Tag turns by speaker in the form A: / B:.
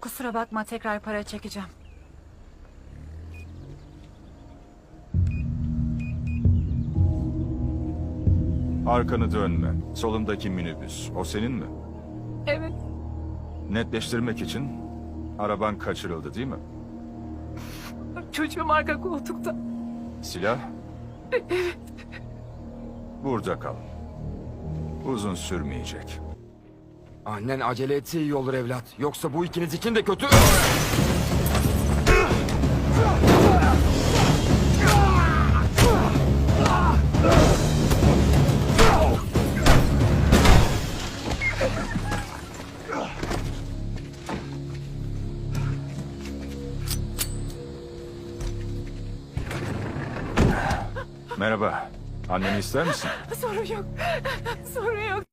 A: Kusura bakma, tekrar para çekeceğim.
B: Arkanı dönme. Solundaki minibüs. O senin mi?
A: Evet.
B: Netleştirmek için araban kaçırıldı değil mi?
A: Çocuğum arka koltukta.
B: Silah? Burada kal. Uzun sürmeyecek.
C: Annen acele etse iyi olur evlat. Yoksa bu ikiniz için de kötü.
B: Merhaba. Anneni ister misin?
A: Sorun yok. Sorun yok.